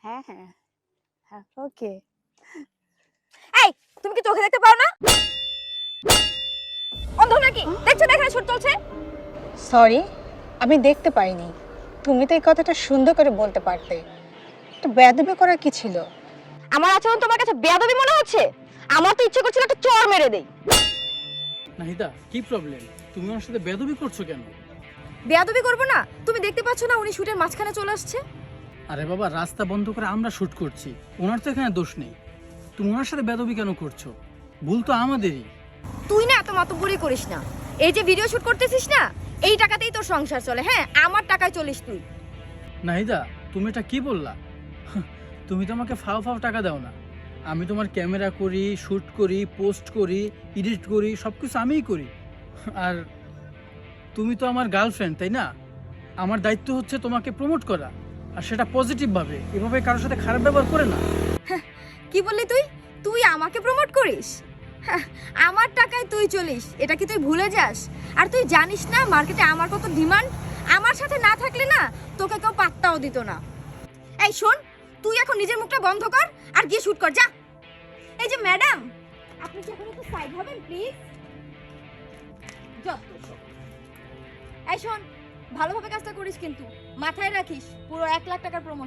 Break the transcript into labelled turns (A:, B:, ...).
A: হ্যাঁ হ্যাঁ হ্যাঁ ওকে।
B: এই তুমি কি চোখে দেখতে পাও না? অন্ধ নাকি? দেখছো না এখানে শুট চলছে?
A: সরি, আমি দেখতে পাইনি। তুমি তো এই কথাটা সুন্দর করে বলতে পারতে। একটু বেয়াদবি করা কি ছিল?
B: আমার আচরণ তোমার কাছে বেয়াদবি মনে হচ্ছে? আমার তো ইচ্ছে করছিল একটা চড় মেরে দেই।
C: নাহিদা, কি প্রবলেম? তুমি ওর সাথে বেয়াদবি করছো কেন?
B: বেয়াদবি করব না? তুমি দেখতে পাচ্ছ না উনি শুটের মাঝখানে চলে আসছে?
C: আরে বাবা, রাস্তা বন্ধ করে আমরা শুট করছি, ওনার তো এখানে দোষ নেই। তুমি ওনার সাথে বেয়াদবি কেন করছো? ভুল তো আমাদেরই।
B: তুই না এত মাতব্বরি করিস না। এই যে ভিডিও শুট করতেছিস না, এই টাকাতেই তোর সংসার চলে। হ্যাঁ, আমার টাকায় চলিস তুই।
C: নাহিদা, তুমি এটা কি বললা? তুমি তো আমাকে ফাও ফাও টাকা দাও না। আমি তোমার ক্যামেরা করি, শুট করি, পোস্ট করি, এডিট করি, সব কিছু আমিই করি। আর তুমি তো আমার গার্লফ্রেন্ড, তাই না? আমার দায়িত্ব হচ্ছে তোমাকে প্রমোট করা, আর সেটা পজিটিভভাবে, এভাবে কারোর সাথে খারাপ ব্যবহার করে না।
B: কি বললি তুই? তুই আমাকে প্রমোট করিস? হ্যাঁ, আমার টাকায় তুই চলিস, এটা কি তুই ভুলে যাস? আর তুই জানিস না মার্কেটে আমার কত ডিমান্ড? আমার সাথে না থাকলে না তোকে কেউ পাত্তাও দিত না। এই শোন, তুই এখন নিজের মুখটা বন্ধ কর আর গিয়ে শুট কর, যা। এই যে ম্যাডাম, আপনি কি এখন একটু সাইড হবেন প্লিজ? যত সব। এই শোন, ভালোভাবে কাজটা করিস কিন্তু মাথায় রাখিস, পুরো 1 লাখ টাকার প্রমোশন।